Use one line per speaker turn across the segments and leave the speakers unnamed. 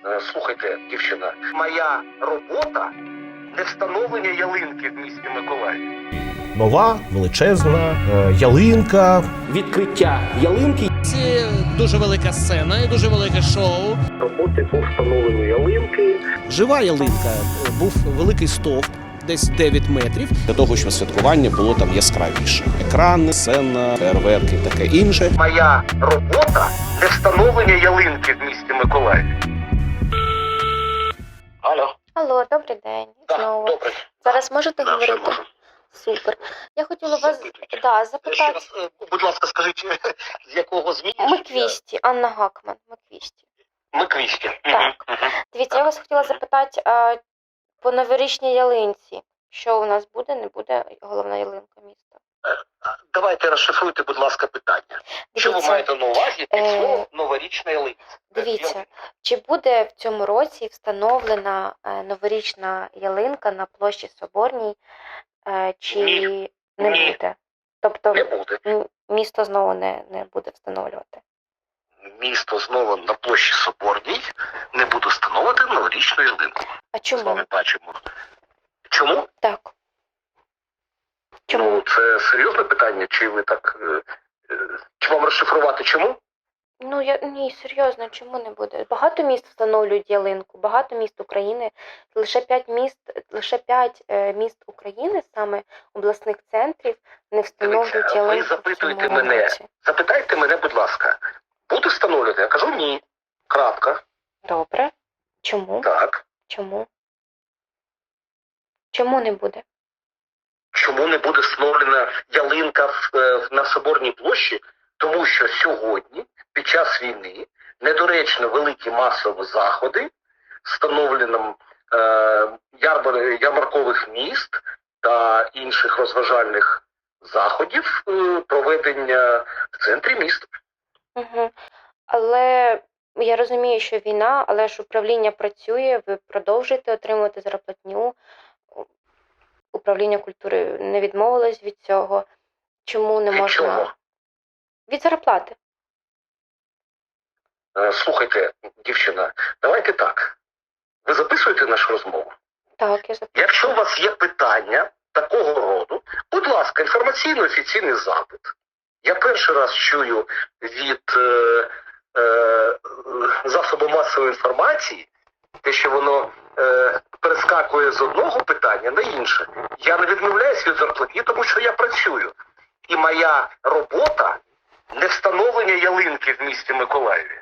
Слухайте, дівчина, моя робота не встановлення ялинки в місті Миколаїв.
Нова, величезна ялинка.
Відкриття ялинки.
Це дуже велика сцена і дуже велике шоу.
Роботи по встановленню ялинки.
Жива ялинка. Був великий стовп, десь 9 метрів.
Для того, щоб святкування було там яскравіше. Екрани, сцена, фейерверки і таке інше.
Моя робота не встановлення ялинки в місті Миколаїв. Алло.
Алло, добрий день.
Так,
Знову.
добре.
Зараз можете
Да, вже
говорити?
можу.
Супер. Я хотіла вас
Запитуйте. Ще
запитати.
раз, будь ласка, скажіть, з якого ЗМІ?
Миквісті, Анна Гакман, Миквісті.
Миквісті.
Так. Дивіться, я вас хотіла запитати по новорічній ялинці. Що у нас буде, не буде головна ялинка міста?
Давайте розшифруйте, будь ласка, питання. Що ви
Дивіться,
маєте на увазі під словом новорічна ялинка?
Дивіться, чи буде в цьому році встановлена новорічна ялинка на площі Соборній, чи
Ні.
не
Ні.
буде? Тобто
Не буде.
місто знову не буде встановлювати?
Місто знову на площі Соборній не буде встановити новорічну ялинку.
А
З
чому?
вами бачимо. Чому?
Так. Чому?
Ну, це серйозне питання, чи ви так... Чи вам розшифрувати чому?
Ну, ні, серйозно, чому не буде? Багато міст встановлюють ялинку, багато міст України, лише 5 міст України, саме обласних центрів, не встановлюють
Дивіться,
ялинку
ви запитуєте
в цьому
мене.
році.
Запитайте мене, будь ласка. Буде встановлювати? Я кажу ні. Крапка.
Добре. Чому?
Так.
Чому? Чому не буде?
Чому не буде встановлена ялинка на Соборній площі? Тому що сьогодні, під час війни, недоречно великі масові заходи з встановленням ярмаркових міст та інших розважальних заходів проведення в центрі міста.
Угу. Але я розумію, що війна, але ж управління працює, ви продовжуєте отримувати зарплатню. Управління культури не відмовилось від цього. Чому не
Від
можна?
чого?
Від зарплати.
Слухайте, дівчина, давайте так. Ви записуєте нашу розмову?
Так, я запитую.
Якщо у вас є питання такого роду, будь ласка, інформаційно-офіційний запит. Я перший раз чую від засобу масової інформації, те, що воно перескакує з одного питання на інше. Я не відмовляюсь від зарплатні, тому що я працюю. І моя робота не встановлення ялинки в місті Миколаєві.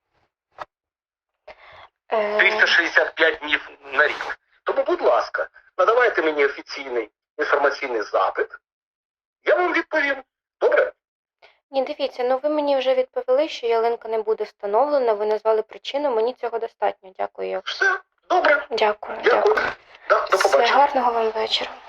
365 днів на рік. Тому, будь ласка, надавайте мені офіційний інформаційний запит. Я вам відповім. Добре?
Ні, дивіться, ну ви мені вже відповіли, що ялинка не буде встановлена, ви назвали причину, мені цього достатньо. Дякую.
Все, добре.
Дякую.
Дякую. Да, до
Все,
побачення.
гарного вам вечора.